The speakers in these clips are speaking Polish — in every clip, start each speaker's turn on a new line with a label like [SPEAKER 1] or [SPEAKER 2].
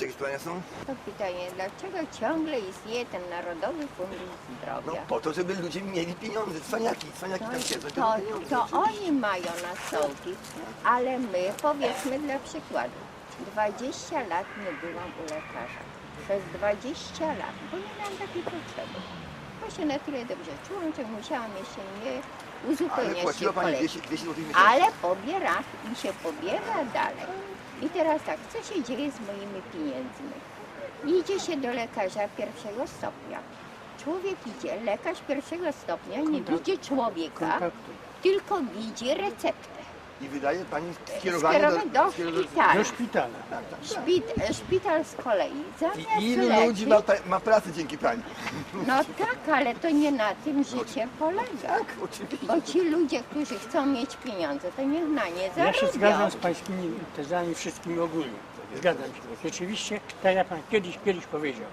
[SPEAKER 1] Jeszcze jakieś pytania są?
[SPEAKER 2] To pytanie, dlaczego ciągle istnieje ten Narodowy Fundusz
[SPEAKER 1] No
[SPEAKER 2] Zdrowia?
[SPEAKER 1] po to, żeby ludzie mieli pieniądze, cwaniaki tam siedzą.
[SPEAKER 2] To oni mają na sołki, ale my, powiedzmy dla przykładu, 20 lat nie byłam u lekarza. Przez 20 lat, bo nie miałam takiej potrzeby. Bo się na tyle dobrze czułam, że musiałam jeszcze nie
[SPEAKER 1] Ale
[SPEAKER 2] uzupełniać
[SPEAKER 1] płaciła
[SPEAKER 2] się
[SPEAKER 1] pani
[SPEAKER 2] kolejki.
[SPEAKER 1] 200 zł miesięcznie.
[SPEAKER 2] Ale pobiera i się pobiera dalej. I teraz tak, co się dzieje z moimi pieniędzmi? Idzie się do lekarza pierwszego stopnia. Człowiek idzie, lekarz pierwszego stopnia nie widzi człowieka, tylko widzi receptę.
[SPEAKER 1] I wydaje pani skierowanie
[SPEAKER 2] Do szpitala.
[SPEAKER 3] Do szpitala.
[SPEAKER 2] Szpital z kolei zamiast
[SPEAKER 1] I ilu
[SPEAKER 2] leczyć,
[SPEAKER 1] ludzi ma pracę dzięki pani?
[SPEAKER 2] no tak, ale to nie na tym życie polega.
[SPEAKER 1] Tak, oczywiście.
[SPEAKER 2] Bo ci ludzie, którzy chcą mieć pieniądze, to niech na nie
[SPEAKER 3] Ja się
[SPEAKER 2] zarobią.
[SPEAKER 3] zgadzam z pańskimi tezami wszystkimi ogólnie. Zgadzam się. Rzeczywiście, tak jak pan kiedyś powiedział,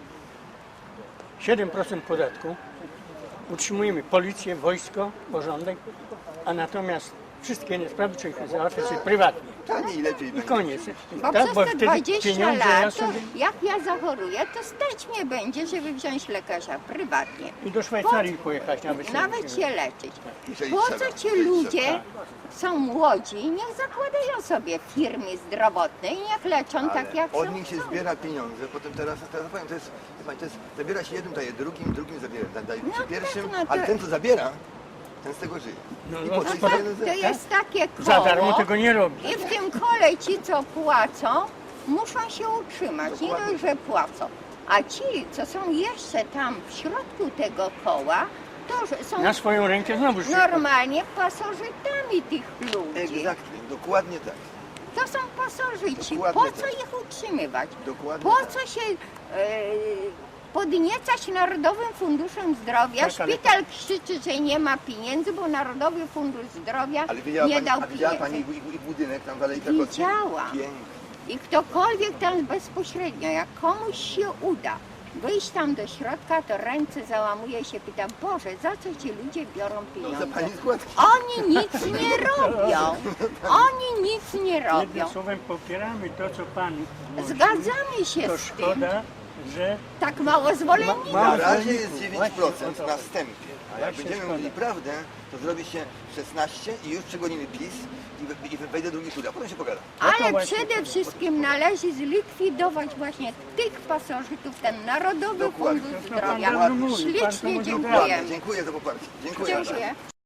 [SPEAKER 3] 7% podatku, utrzymujemy policję, wojsko, porządek, a natomiast wszystkie inne sprawy trzeba załatwiać sobie prywatnie.
[SPEAKER 1] Taniej i lepiej
[SPEAKER 3] I
[SPEAKER 1] będzie.
[SPEAKER 3] koniec.
[SPEAKER 2] Bo
[SPEAKER 3] Tak,
[SPEAKER 2] przez
[SPEAKER 3] bo
[SPEAKER 2] te
[SPEAKER 3] wtedy
[SPEAKER 2] 20
[SPEAKER 3] pieniądze
[SPEAKER 2] lat,
[SPEAKER 3] ja
[SPEAKER 2] to
[SPEAKER 3] sobie
[SPEAKER 2] jak ja zachoruję, to stać mnie będzie, żeby wziąć lekarza prywatnie.
[SPEAKER 3] i do Szwajcarii pojechać nawet.
[SPEAKER 2] Nawet się leczyć.
[SPEAKER 1] Jeżeli
[SPEAKER 2] Po
[SPEAKER 1] trzeba,
[SPEAKER 2] co ci
[SPEAKER 1] jeżeli
[SPEAKER 2] ludzie
[SPEAKER 1] trzeba.
[SPEAKER 2] są młodzi, niech zakładają sobie firmy zdrowotne i niech leczą tak jak
[SPEAKER 1] Od
[SPEAKER 2] są.
[SPEAKER 1] nich się zbiera pieniądze, potem teraz powiem, to jest, zabiera się jednym, daje drugim zabiera, daje
[SPEAKER 2] No
[SPEAKER 1] przy
[SPEAKER 2] tak,
[SPEAKER 1] pierwszym,
[SPEAKER 2] no to-
[SPEAKER 1] ale ten co zabiera, ten z tego żyje.
[SPEAKER 3] No,
[SPEAKER 1] I
[SPEAKER 3] no,
[SPEAKER 1] po co
[SPEAKER 3] tak,
[SPEAKER 2] To jest takie koło.
[SPEAKER 3] za darmo tego nie robi.
[SPEAKER 2] I w tym kole ci, co płacą, muszą się utrzymać. Nie dość, że płacą. A ci, co są jeszcze tam w środku tego koła, to że są
[SPEAKER 3] Na swoją rękę znowu się.
[SPEAKER 2] normalnie pasożytami tych ludzi.
[SPEAKER 1] Egzaktnie, dokładnie tak.
[SPEAKER 2] To są pasożyci.
[SPEAKER 1] Dokładnie
[SPEAKER 2] Po co
[SPEAKER 1] tak.
[SPEAKER 2] ich utrzymywać?
[SPEAKER 1] Dokładnie
[SPEAKER 2] Po
[SPEAKER 1] tak.
[SPEAKER 2] co się podniecać Narodowym Funduszem Zdrowia?
[SPEAKER 3] Tak, ale-
[SPEAKER 2] Szpital krzyczy, że nie ma pieniędzy, bo Narodowy Fundusz Zdrowia
[SPEAKER 1] Ale widziała
[SPEAKER 2] nie
[SPEAKER 1] pani,
[SPEAKER 2] dał
[SPEAKER 1] a widziała
[SPEAKER 2] pieniędzy.
[SPEAKER 1] pani i budynek tam w Alei Krakowskiej?
[SPEAKER 2] Widziałam.
[SPEAKER 1] Piękny.
[SPEAKER 2] I ktokolwiek tam bezpośrednio, jak komuś się uda wyjść tam do środka, to ręce załamuje się, pyta, Boże, za co ci ludzie biorą
[SPEAKER 1] No, za
[SPEAKER 2] pieniądze?
[SPEAKER 1] pani składki.
[SPEAKER 2] Oni nic nie robią. Oni nic nie robią.
[SPEAKER 3] Jednym słowem popieramy to, co pan mówi.
[SPEAKER 2] Zgadzamy się
[SPEAKER 3] To
[SPEAKER 2] z tym.
[SPEAKER 3] szkoda, że
[SPEAKER 2] Tak mało zwolenników.
[SPEAKER 1] Na razie
[SPEAKER 3] zwolenników.
[SPEAKER 1] jest 9%
[SPEAKER 3] Właśnie,
[SPEAKER 1] na wstępie, a jak
[SPEAKER 3] Właśnie
[SPEAKER 1] będziemy
[SPEAKER 3] szkoda.
[SPEAKER 1] mówili prawdę, to zrobi się 16 i już przegonimy PiS i wejdzie drugi tur, a potem się pogada.
[SPEAKER 3] No to
[SPEAKER 2] Ale
[SPEAKER 3] właśnie
[SPEAKER 2] przede wszystkim należy zlikwidować właśnie tych pasożytów, ten Narodowy
[SPEAKER 1] Dokładnie.
[SPEAKER 2] Fundusz
[SPEAKER 3] To pan
[SPEAKER 2] Zdrowia.
[SPEAKER 3] dobrze mówi, pan to
[SPEAKER 2] Ślicznie
[SPEAKER 3] mówi
[SPEAKER 2] dziękujemy.
[SPEAKER 1] Dziękuję za poparcie. Dziękuję.
[SPEAKER 2] Dziękuję.